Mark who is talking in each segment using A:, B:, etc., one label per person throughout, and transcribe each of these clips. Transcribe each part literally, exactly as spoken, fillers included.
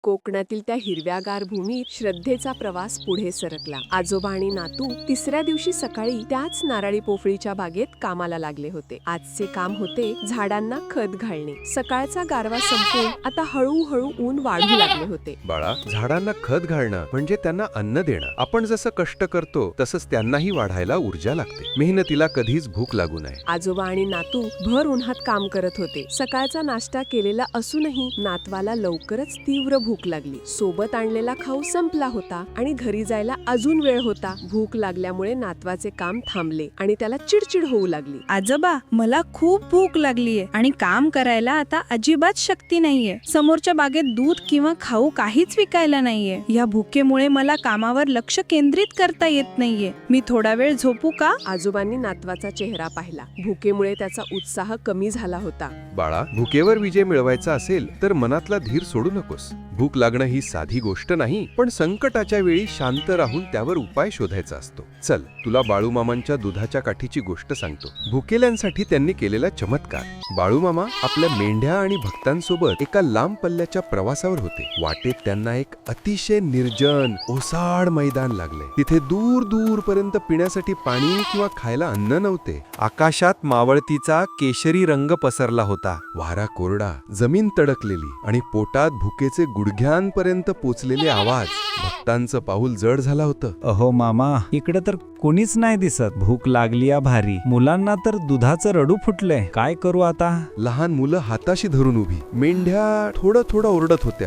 A: कोकणातील त्या हिरव्यागार भूमीत श्रद्धेचा प्रवास पुढे सरकला. आजोबा आणि नातू तिसऱ्या दिवशी सकाळी त्याच नारळी पोफळीच्या बागेत कामाला लागले होते. आजचे काम होते झाडांना खत घालणे. सकाळचा गारवा संपून आता हळूहळू ऊन वाढू लागले होते.
B: बाळा, झाडांना खत घालणं म्हणजे त्यांना अन्न देणं. आपण जसं कष्ट करतो तसंच त्यांनाही वाढायला ऊर्जा लागते. मेहनतीला कधीच भूक लागू नये.
A: आजोबा आणि नातू भर उन्हात काम करत होते. सकाळचा नाश्ता केलेला असूनही नातवाला लवकरच तीव्र भूक लागली. सोबत आणलेला खाऊ संपला होता आणि घरी जायला अजून वेळ होता. भूक लागल्यामुळे नातवाचे काम थांबले आणि त्याला चिडचिड होऊ लागली.
C: आजोबा, मला खूप भूक लागलीये आणि काम करायला आता अजिबात शक्ती नाहीये. समोरच्या बागेत दूध किंवा खाऊ काहीच विकायला नाहीये. या भुकेमुळे मला कामावर लक्ष केंद्रित करता येत नाहीये. मी थोडा वेळ झोपू का?
A: आजोबांनी नातवाचा चेहरा पाहिला. भुकेमुळे त्याचा उत्साह कमी झाला होता.
B: बाळा, भुकेवर विजय मिळवायचा असेल तर मनातला धीर सोडू नकोस. भूक लागणं ही साधी गोष्ट नाही, पण संकटाच्या वेळी शांत राहून त्यावर उपाय शोधायचा असतो. चल, तुला बाळूमामांच्या दुधाच्या काठीची गोष्ट सांगतो. भुकेल्यांसाठी त्यांनी केलेला चमत्कार. बाळूमामा आपल्या मेंढ्या आणि भक्तांसोबत एका लांब पल्ल्याच्या प्रवासावर होते. वाटेत त्यांना एक अतिशय निर्जन ओसाड मैदान लागले. तिथे दूर दूर पर्यंत पिण्यासाठी पाणी किंवा खायला अन्न नव्हते. आकाशात मावळतीचा केशरी रंग पसरला होता. वारा कोरडा, जमीन तडकलेली आणि पोटात भुकेचे गुडघ्यांपर्यंत पोचलेले आवाज. भक्तांचं पाऊल जड झालं होतं.
D: अहो मामा, इकडे तर कोणीच नाही दिसत. भूक लागली या भारी. मुलांना तर दुधाचं रडू फुटलंय. काय करू आता?
B: लहान मुलं हाताशी धरून उभी. मेंढ्या थोडं थोडं ओरडत होत्या.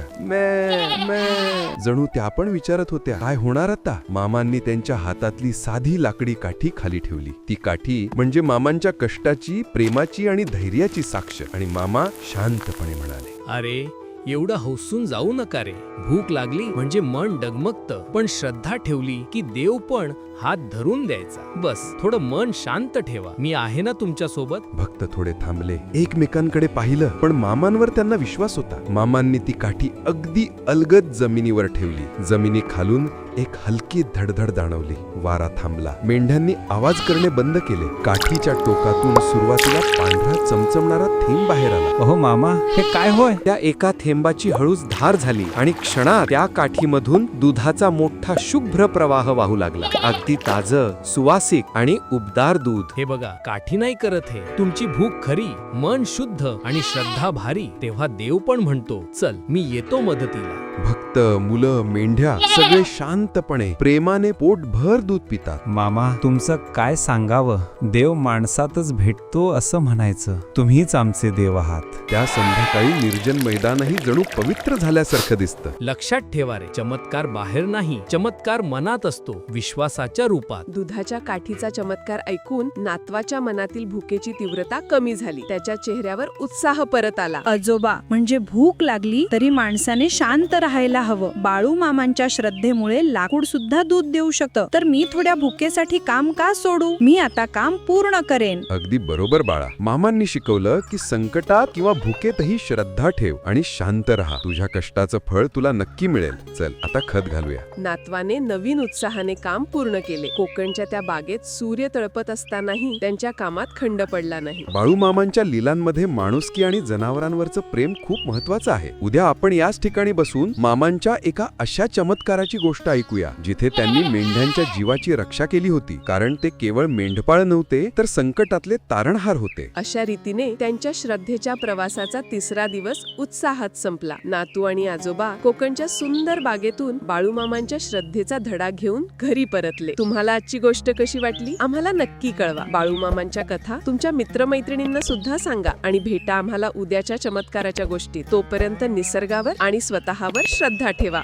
B: मे मे जणू त्या पण विचारत होत्या, काय होणार आता? मामांनी त्यांच्या हातातली साधी लाकडी काठी खाली ठेवली. ती काठी म्हणजे मामांच्या कष्टाची, प्रेमाची आणि धैर्याची साक्ष. आणि मामा शांतपणे म्हणाले,
E: अरे, एवढं हौसून जाऊ नका रे. भूक लागली म्हणजे मन डगमगतं, पण श्रद्धा ठेवली की देव पण हात धरून द्यायचा. बस थोडं मन शांत ठेवा. मी आहे ना तुमच्या सोबत.
B: भक्त थोडे थांबले, एकमेकांकडे पाहिलं, पण मामांवर त्यांना विश्वास होता. मामांनी ती काठी अगदी अलगद जमिनीवर ठेवली. जमिनी खालून एक हलकी धडधड जाणवली. वारा थांबला. मेंढ्यांनी आवाज करणे बंद केले. काठीच्या टोकातून सुरुवातीला पांढरा चमचमणारा थेंब बाहेर आला.
D: अहो मामा, हे काय होय?
B: त्या एका थेंबाची हळूच धार झाली आणि क्षणात त्या काठीमधून दुधाचा मोठा शुभ्र प्रवाह वाहू लागला. अगदी ताजं, सुवासिक आणि उबदार दूध.
E: हे बघा, काठी नाही करत हे. तुमची भूक खरी, मन शुद्ध आणि श्रद्धा भारी, तेव्हा देव पण म्हणतो, चल मी येतो मदतीला.
B: भक्त, मुलं, मेंढ्या सगळे शांतपणे प्रेमाने पोटभर दूध पितात.
D: मामा, तुमचं काय सांगावं? देव माणसातच भेटतो असं म्हणायचं. तुम्हीच आमचे देव आहात.
B: त्या संध्याकाळी निर्जन मैदानही जणू पवित्र झाल्यासारखं दिसतं.
E: लक्षात ठेवा रे, चमत्कार बाहेर नाही, चमत्कार मनात असतो, विश्वासाच्या रूपात.
A: दुधाच्या काठीचा चमत्कार ऐकून नातवाच्या मनातील भुकेची तीव्रता कमी झाली. त्याच्या चेहऱ्यावर उत्साह परत आला.
C: आजोबा, म्हणजे भूक लागली तरी माणसाने शांत राहायला हवं. बाळू मामांच्या श्रद्धेमुळे लाकूड सुद्धा दूध देऊ शकतं. तर मी थोड्या भुकेसाठी काम का सोडू? मी आता काम पूर्ण करेन.
B: अगदी बरोबर बाळा. मामांनी शिकवलं की संकटात किंवा भुकेतही श्रद्धा ठेव आणि शांत राहा. तुझ्या कष्टाचं फळ तुला नक्की मिळेल. चल, आता खत घालूया.
A: नातवाने नवीन उत्साहाने काम पूर्ण केले. कोकणच्या त्या बागेत सूर्य तळपत असतानाही त्यांच्या कामात खंड पडला नाही.
B: बाळूमामांच्या लीलांमध्ये माणुसकी आणि जनावरांवरचं प्रेम खूप महत्वाचं आहे. उद्या आपण याच ठिकाणी बसून मामांच्या एका अशा चमत्काराची गोष्ट ऐकूया जिथे त्यांनी मेंढ्यांच्या जीवाची रक्षा केली होती. कारण ते केवळ मेंढपाळ नव्हते, तर संकटातले तारणहार होते.
A: अशा रीतीने त्यांच्या श्रद्धेच्या प्रवासाचा तिसरा दिवस उत्साहात संपला. नातू आणि आजोबा कोकणच्या सुंदर बागेतून बाळूमामांच्या श्रद्धेचा धडा घेऊन घरी परतले. तुम्हाला आजची गोष्ट कशी वाटली आम्हाला नक्की कळवा. बाळूमामांच्या कथा तुमच्या मित्रमैत्रिणींना सुद्धा सांगा आणि भेटा आम्हाला उद्याच्या चमत्काराच्या गोष्टी. तोपर्यंत निसर्गावर आणि स्वतःवर श्रद्धा ठेवा.